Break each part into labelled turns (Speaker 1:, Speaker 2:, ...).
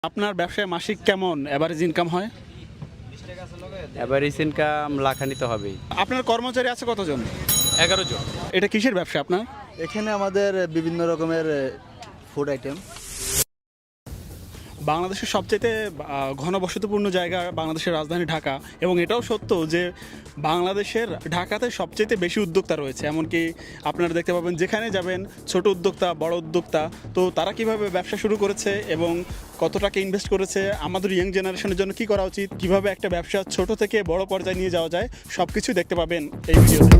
Speaker 1: আপনার ব্যবসায় মাসিক কেমন এভারেজ ইনকাম হয়?
Speaker 2: এভারেজ ইনকাম লাখানিতে হবেই।
Speaker 1: আপনার কর্মচারী আছে কতজন?
Speaker 2: 11 জন।
Speaker 1: এটা কিসের ব্যবসা আপনার?
Speaker 3: এখানে আমাদের বিভিন্ন রকমের ফুড আইটেম।
Speaker 1: বাংলাদেশের সবচেয়ে ঘনবসতিপূর্ণ জায়গা বাংলাদেশের রাজধানী ঢাকা, এবং এটাও সত্য যে বাংলাদেশের ঢাকাতে সবচেয়ে বেশি উদ্যোক্তা রয়েছে। এমনকি আপনারা দেখতে পাবেন যেখানে যাবেন ছোট উদ্যোক্তা, বড় উদ্যোক্তা, তো তারা কিভাবে ব্যবসা শুরু করেছে এবং কত টাকা ইনভেস্ট করেছে, আমাদের ইয়াং জেনারেশনের জন্য কী করা উচিত, কিভাবে একটা ব্যবসা ছোট থেকে বড় পর্যায়ে নিয়ে যাওয়া যায়, সব কিছুই দেখতে পাবেন এই ভিডিওতে।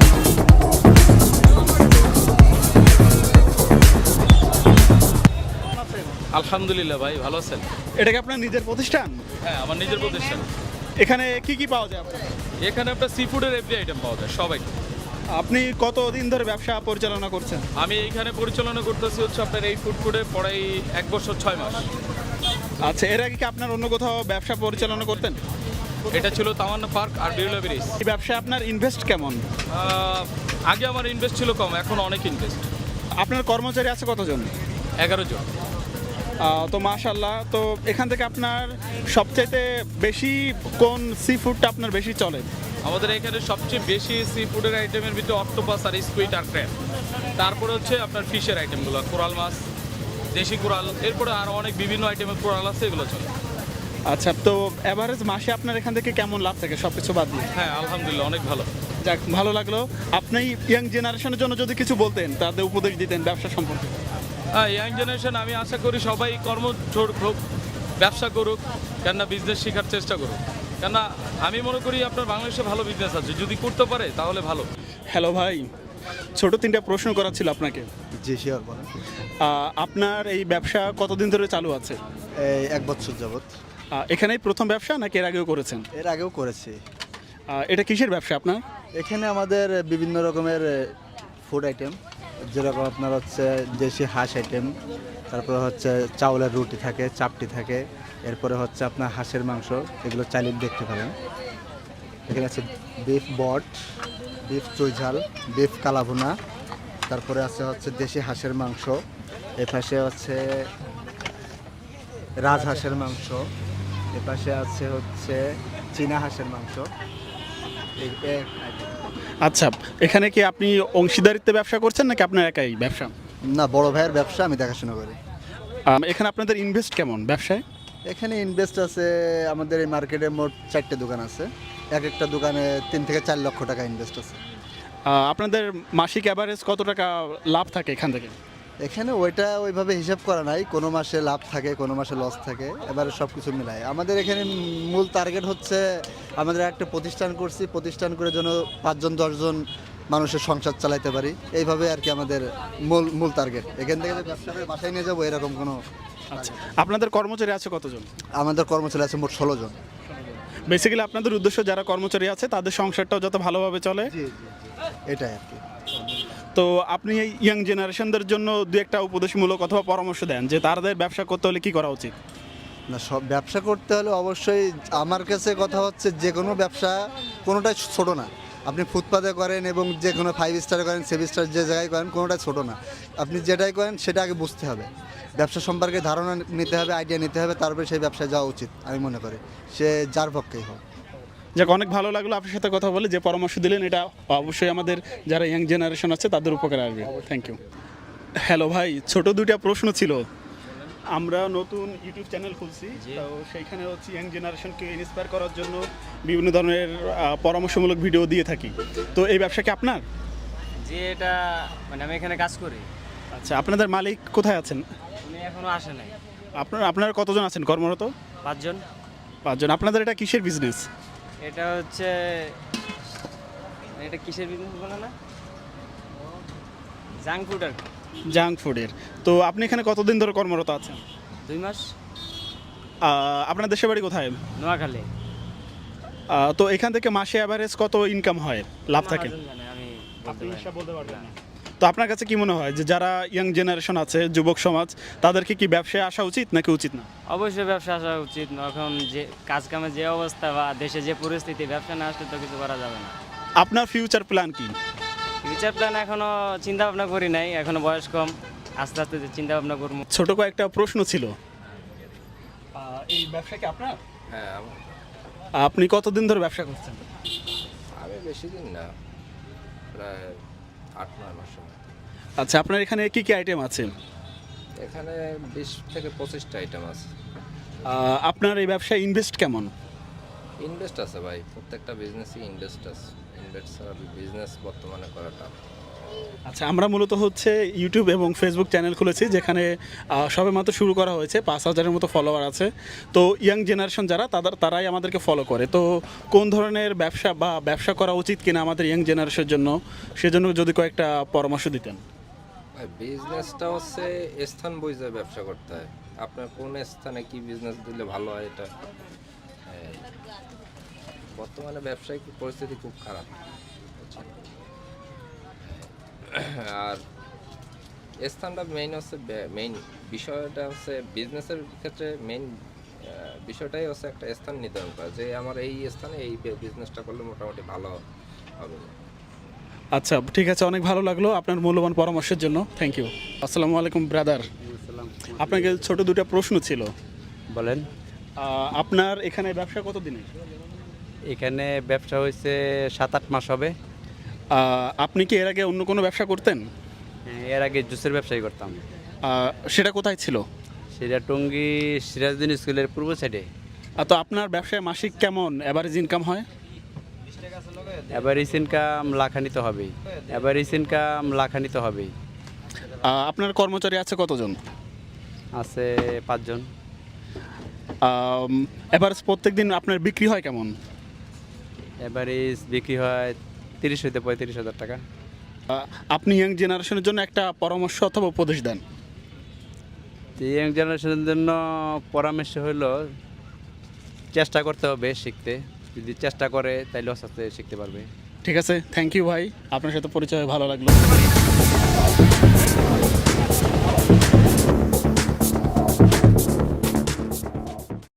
Speaker 2: আলহামদুলিল্লাহ ভাই, ভালো আছেন?
Speaker 1: এটা কি আপনার নিজের প্রতিষ্ঠান?
Speaker 2: হ্যাঁ, আমার নিজের প্রতিষ্ঠান।
Speaker 1: এখানে কি কি পাওয়া যায় আপনার?
Speaker 2: এখানে আপনার সি ফুডের এভরি আইটেম পাওয়া যায়, সব আইটেম।
Speaker 1: আপনি কতদিন ধরে ব্যবসা পরিচালনা করছেন?
Speaker 2: আমি এইখানে পরিচালনা করতেছি হচ্ছে আপনার এই ফুডে পড়াই 1 বছর 6 মাস।
Speaker 1: আচ্ছা, এর আগে কি আপনার অন্য কোথাও ব্যবসা পরিচালনা করতেন?
Speaker 2: এটা ছিল তামান্না পার্ক আর বিড়লা ব্রিজ।
Speaker 1: এই ব্যবসায় আপনার ইনভেস্ট কেমন?
Speaker 2: আগে আমার ইনভেস্ট ছিল কম, এখন অনেক ইনভেস্ট।
Speaker 1: আপনার কর্মচারী আছে কতজন?
Speaker 2: 11 জন।
Speaker 1: তো মাশাআল্লাহ, তো এখান থেকে আপনার সবচাইতে বেশি কোন সি ফুডটা আপনার বেশি চলে?
Speaker 2: আমাদের এখানে সবচেয়ে বেশি সি ফুডের আইটেমের ভিতরে অক্টোপাস আর স্কুইড আর ক্র্যাব। তারপরে হচ্ছে আপনার ফিশের আইটেমগুলো, কোরাল মাছ, দেশি কোরাল, এরপরে আরও অনেক বিভিন্ন আইটেমের কোরাল আছে, এগুলো চলে।
Speaker 1: আচ্ছা, তো এভারেজ মাসে আপনার এখান থেকে কেমন লাভ থাকে সব কিছু বাদ দিয়ে?
Speaker 2: হ্যাঁ, আলহামদুলিল্লাহ অনেক ভালো।
Speaker 1: যাক, ভালো লাগলো। আপনি ইয়াং জেনারেশনের জন্য যদি কিছু বলতেন, তাদের উপদেশ দিতেন ব্যবসা সম্পর্কে।
Speaker 2: হ্যাঁ, ইয়াং জেনারেশন আমি আশা করি সবাই কর্মজোর হোক, ব্যবসা করুক, কেননা বিজনেস শেখার চেষ্টা করুক। কেননা আমি মনে করি আপনার বাংলাদেশে ভালো বিজনেস আছে, যদি করতে পারে তাহলে ভালো।
Speaker 1: হ্যালো ভাই, ছোট 3টা প্রশ্ন করার ছিল আপনাকে।
Speaker 3: জি শিওর, বলেন।
Speaker 1: আপনার এই ব্যবসা কতদিন ধরে চালু আছে?
Speaker 3: এই 1 বছর যাবত।
Speaker 1: এখানেই প্রথম ব্যবসা নাকি এর আগেও করেছেন?
Speaker 3: এর আগেও করেছি।
Speaker 1: এটা কিসের ব্যবসা আপনার?
Speaker 3: এখানে আমাদের বিভিন্ন রকমের ফুড আইটেম, যেরকম আপনার হচ্ছে দেশি হাঁস আইটেম, তারপরে হচ্ছে চাউলের রুটি থাকে, চাপটি থাকে, এরপরে হচ্ছে আপনার হাঁসের মাংস, এগুলো চাইলে দেখতে পারেন। এখানে আছে বিফ বট, বিফ চুইঝাল, বিফ কালাভুনা, তারপরে আছে হচ্ছে দেশি হাঁসের মাংস, এপাশে হচ্ছে রাজহাঁসের মাংস, এপাশে আছে হচ্ছে চীনা হাঁসের মাংস।
Speaker 1: আচ্ছা, এখানে কি আপনি অংশীদারিত্বে ব্যবসা করছেন নাকি আপনার একাই ব্যবসা?
Speaker 3: না, বড় ভাইয়ের ব্যবসা, আমি দেখাশোনা করি।
Speaker 1: এখানে আপনাদের ইনভেস্ট কেমন ব্যবসায়?
Speaker 3: এখানে ইনভেস্ট আছে, আমাদের এই মার্কেটে মোট 4টে দোকান আছে, এক একটা দোকানে 3 থেকে 4 লক্ষ টাকা ইনভেস্ট আছে।
Speaker 1: আপনাদের মাসিক অ্যাভারেজ কত টাকা লাভ থাকে এখান থেকে?
Speaker 3: এখানে ওইভাবে হিসাব করা নাই, কোনো মাসে লাভ থাকে, কোনো মাসে লস থাকে, এবারে সব কিছু মিলায়। আমাদের এখানে মূল টার্গেট হচ্ছে, আমাদের একটা প্রতিষ্ঠান করছি, প্রতিষ্ঠান করে যেন 5 জন 10 জন মানুষের সংসার চালাইতে পারি, এইভাবে আর কি আমাদের মূল টার্গেট। এখান থেকে যে ব্যবসা করে বাসায় নিয়ে যাবো এরকম কোনো।
Speaker 1: আচ্ছা, আপনাদের কর্মচারী আছে কতজন?
Speaker 3: আমাদের কর্মচারী আছে মোট 16 জন।
Speaker 1: বেসিক্যালি আপনাদের উদ্দেশ্য যারা কর্মচারী আছে তাদের সংসারটাও যত ভালোভাবে চলে,
Speaker 3: জি জি, এটাই আর কি।
Speaker 1: তো আপনি এই ইয়াং জেনারেশনদের জন্য 2-একটা উপদেশমূলক অথবা পরামর্শ দেন যে তাদের ব্যবসা করতে হলে কি করা উচিত?
Speaker 3: না, সব ব্যবসা করতে হলে অবশ্যই আমার কাছে কথা হচ্ছে, যে কোনো ব্যবসা কোনোটাই ছোট না। আপনি ফুটপাতে করেন এবং যে কোনো 5 স্টারে করেন, 7 স্টার যে জায়গায় করেন, কোনোটাই ছোট না। আপনি যেটাই করেন সেটা আগে বুঝতে হবে, ব্যবসা সম্পর্কে ধারণা নিতে হবে, আইডিয়া নিতে হবে, তারপরে সেই ব্যবসায় যাওয়া উচিত আমি মনে করি, সে যার পক্ষেই হোক।
Speaker 1: যাক, অনেক ভালো লাগলো আপনার সাথে কথা বলে। যে পরামর্শ দিলেন এটা অবশ্যই আমাদের যারা ইয়াং জেনারেশন আছে তাদের উপকারে আসবে। Thank you. হ্যালো ভাই, ছোট 2টা প্রশ্ন ছিল। আমরা নতুন ইউটিউব চ্যানেল খুলছি, তো সেইখানে হচ্ছে ইয়াং জেনারেশনকে ইন্সপায়ার করার জন্য বিভিন্ন ধরনের পরামর্শমূলক ভিডিও দিয়ে থাকি। তো এই ব্যবসা কি আপনার?
Speaker 4: যে এটা মানে আমি এখানে কাজ করি।
Speaker 1: আচ্ছা, আপনাদের মালিক কোথায় আছেন?
Speaker 4: উনি এখনো আসে নাই।
Speaker 1: আপনারা কতজন আছেন কর্মরত?
Speaker 4: 5 জন।
Speaker 1: 5 জন। আপনাদের এটা কিসের বিজনেস?
Speaker 4: এটা হচ্ছে, এটা কিসের বিজনেস বলে না, জাঙ্ক ফুড আর কি।
Speaker 1: জাঙ্ক ফুডের। তো আপনি এখানে কতদিন ধরে কর্মরত আছেন?
Speaker 4: 2 মাস।
Speaker 1: আপনার দেশের বাড়ি কোথায়?
Speaker 4: নোয়াখালী।
Speaker 1: তো এখান থেকে মাসে অ্যাভারেজ কত ইনকাম হয়, লাভ থাকে?
Speaker 4: আমি
Speaker 1: আপনি হিসাব বলতে পারবেন না। তো আপনার কাছে কি মনে হয় যে যারা ইয়াং জেনারেশন আছে, যুবক সমাজ, তাদেরকে কি ব্যবসায় আসা উচিত নাকি উচিত না?
Speaker 4: অবশ্যই ব্যবসা আসা উচিত। এখন যে কাজ কামের যে অবস্থা বা দেশে যে পরিস্থিতি, ব্যবসা না আসলে তো কিছু করা যাবে না।
Speaker 1: আপনার ফিউচার প্ল্যান কি?
Speaker 4: ফিউচার প্ল্যান এখনো চিন্তা ভাবনা করি নাই, এখনো বয়স কম, আস্তে আস্তে চিন্তা ভাবনা করবো।
Speaker 1: ছোট কয়েকটা প্রশ্ন ছিল। এই ব্যবসা কি আপনার?
Speaker 5: হ্যাঁ
Speaker 1: আপনি কতদিন ধরে ব্যবসা করছেন?
Speaker 5: আমি বেশি দিন না, প্রায় 8-9 মাস হবে।
Speaker 1: আচ্ছা, আপনার এখানে কি কি আইটেম আছে?
Speaker 5: এখানে 20 থেকে 25টা আইটেম আছে।
Speaker 1: আপনার এই ব্যবসায় ইনভেস্ট কেমন?
Speaker 5: ইনভেস্ট আছে ভাই, প্রত্যেকটা বিজনেসই ইনভেস্ট আছে। ইনভেস্ট ছাড়া বিজনেস বর্তমানে করাটা।
Speaker 1: আচ্ছা, আমরা মূলত হচ্ছে ইউটিউব এবং ফেসবুক চ্যানেল খুলেছি, যেখানে সবেমাত্র শুরু করা হয়েছে, 5,000-এর মতো ফলোয়ার আছে। তো ইয়াং জেনারেশন যারা তারাই আমাদেরকে ফলো করে। তো কোন ধরনের ব্যবসা বা ব্যবসা করা উচিত কিনা আমাদের ইয়াং জেনারেশনের জন্য, সেজন্য যদি কয়েকটা পরামর্শ দিতেন।
Speaker 5: ভাই বিজনেসটা হচ্ছে স্থান বুঝে ব্যবসা করতে হয়। আপনার কোন স্থানে কি বিজনেস দিলে ভালো হয়, এটা বর্তমানে ব্যবসায়িক পরিস্থিতি খুব খারাপ। আর স্থানটা মেইন হচ্ছে, মেইন বিষয়টা হচ্ছে বিজনেসের ক্ষেত্রে মেইন বিষয়টাই হচ্ছে একটা স্থান নির্ধারণ করা, যে আমার এই স্থানে এই বিজনেসটা করলে মোটামুটি ভালো হবে।
Speaker 1: আচ্ছা, ঠিক আছে, অনেক ভালো লাগলো আপনার মূল্যবান পরামর্শের জন্য। Thank you. আসসালামু আলাইকুম ব্রাদার। আপনাকে ছোট দুটো প্রশ্ন ছিল।
Speaker 6: বলেন।
Speaker 1: আপনার এখানে ব্যবসা কত দিনের?
Speaker 6: এখানে ব্যবসা হয়েছে 7-8 মাস হবে।
Speaker 1: আপনি কি এর আগে অন্য কোনো ব্যবসা করতেন?
Speaker 6: এর আগে জুসের ব্যবসায়ী করতাম।
Speaker 1: সেটা কোথায় ছিল?
Speaker 6: সেটা টঙ্গী সিরাজউদ্দিন স্কুলের পূর্ব সাইডে।
Speaker 1: তো আপনার ব্যবসায় মাসিক কেমন অ্যাভারেজ ইনকাম হয়?
Speaker 6: অ্যাভারেজ ইনকাম লাখানিতে হবেই। অ্যাভারেজ ইনকাম লাখানিতে হবেই।
Speaker 1: আপনার কর্মচারী আছে কতজন?
Speaker 6: আছে 5 জন।
Speaker 1: এভারেজ প্রত্যেক দিন আপনার বিক্রি হয় কেমন?
Speaker 6: অ্যাভারেজ বিক্রি হয় 30 হইতে 35,000 টাকা।
Speaker 1: আপনি ইয়াং জেনারেশনের জন্য একটা পরামর্শ অথবা উপদেশ দেন।
Speaker 6: ইয়াং জেনারেশনের জন্য পরামর্শ হলো চেষ্টা করতে হবে শিখতে। যদি চেষ্টা করে তাহলে আস্তে আস্তে শিখতে পারবে।
Speaker 1: ঠিক আছে, থ্যাংক ইউ ভাই, আপনার সাথে পরিচয় হয়ে ভালো লাগলো।